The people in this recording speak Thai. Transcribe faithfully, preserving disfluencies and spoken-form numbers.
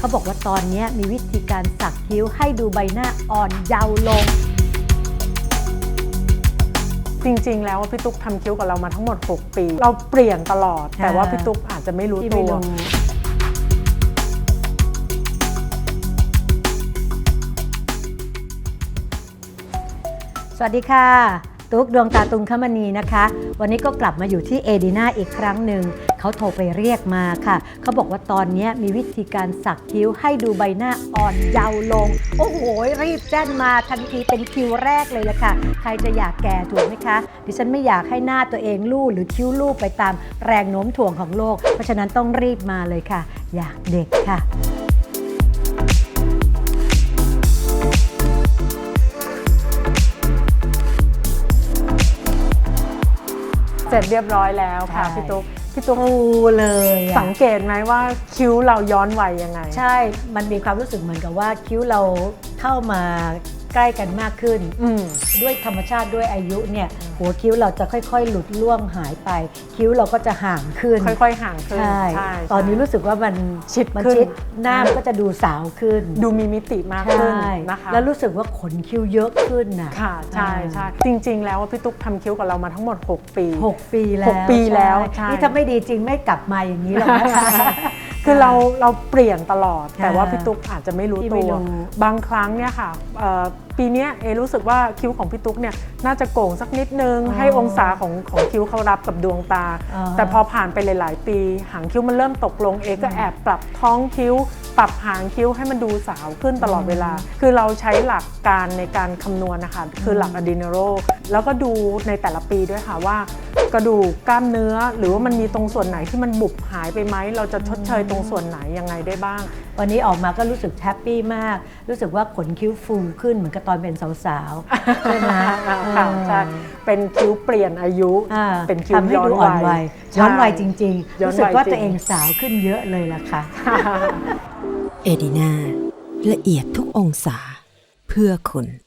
เขาบอกว่าตอนนี้มีวิธีการสักคิ้วให้ดูใบหน้าอ่อนเยาว์ลงจริงๆแล้วพี่ตุ๊กทำคิ้วกับเรามาทั้งหมดหกปีเราเปลี่ยนตลอดแต่ว่าพี่ตุ๊กอาจจะไม่รู้ตัวสวัสดีค่ะตุ๊กดวงตาตุงคมณีนะคะวันนี้ก็กลับมาอยู่ที่เอดีนาอีกครั้งหนึ่งเขาโทรไปเรียกมาค่ะเขาบอกว่าตอนนี้มีวิธีการสักคิ้วให้ดูใบหน้าอ่อนเยาว์ลงโอ้โหรีบแจ้งมาทันทีเป็นคิวแรกเลยละค่ะใครจะอยากแก่ถูกไหมคะดิฉันไม่อยากให้หน้าตัวเองลู่หรือคิ้วลู่ไปตามแรงโน้มถ่วงของโลกเพราะฉะนั้นต้องรีบมาเลยค่ะอยากเด็กค่ะเสร็จเรียบร้อยแล้วค่ะพี่ตุ๊กพี่ตุ๊กเลยสังเกตไหมว่าคิ้วเราย้อนวัยยังไงใช่มันมีความรู้สึกเหมือนกับว่าคิ้วเราเข้ามาใกล้กันมากขึ้นด้วยธรรมชาติด้วยอายุเนี่ยหัวคิ้วเราจะค่อยๆหลุดล่วงหายไปคิ้วเราก็จะห่างขึ้นค่อยๆห่างขึ้นใช่ตอนนี้รู้สึกว่ามันชิดมันขึ้นชิดหน้าก็จะดูสาวขึ้นดูมีมิติมากขึ้นนะคะแล้วรู้สึกว่าขนคิ้วเยอะขึ้นนะค่ะใช่ใช่จริงๆแล้วพี่ตุ๊กทำคิ้วกับเรามาทั้งหมดหกปีหกปีแล้วหกปีแล้วนี่ถ้าไม่ดีจริงไม่กลับมาอย่างนี้หรอกนะคะคือเราเราเปลี่ยนตลอดแต่ว่าพี่ตุ๊กอาจจะไม่รู้ตัวบางครั้งเนี่ยค่ะปีนี้เอรู้สึกว่าคิ้วของพี่ตุ๊กเนี่ยน่าจะโก่งสักนิดนึงให้องศาของของคิ้วเขารับกับดวงตาแต่พอผ่านไปหลายๆปีหางคิ้วมันเริ่มตกลงเอก็แอบปรับท้องคิ้วปรับหางคิ้วให้มันดูสาวขึ้นตลอดเวลาคือเราใช้หลักการในการคำนวณนะคะคือหลักอะดีเนโรแล้วก็ดูในแต่ละปีด้วยค่ะว่ากระดูกกล้ามเนื้อหรือว่ามันมีตรงส่วนไหนที่มันบุบหายไปไหมเราจะชดเชยตรงส่วนไหนยังไงได้บ้างวันนี้ออกมาก็รู้สึกแฮปปี้มากรู้สึกว่าขนคิ้วฟูขึ้นเหมือนกับตอนเป็นสาวๆใช่ไหมค่ะใช่เป็นคิ้วเปลี่ยนอายุเป็นคิ้วย้อนวัยย้อนวัยจริงๆรู้สึกว่าตัวเองสาวขึ้นเยอะเลยล่ะค่ะเอดีนาละเอียดทุกองศาเพื่อคุณ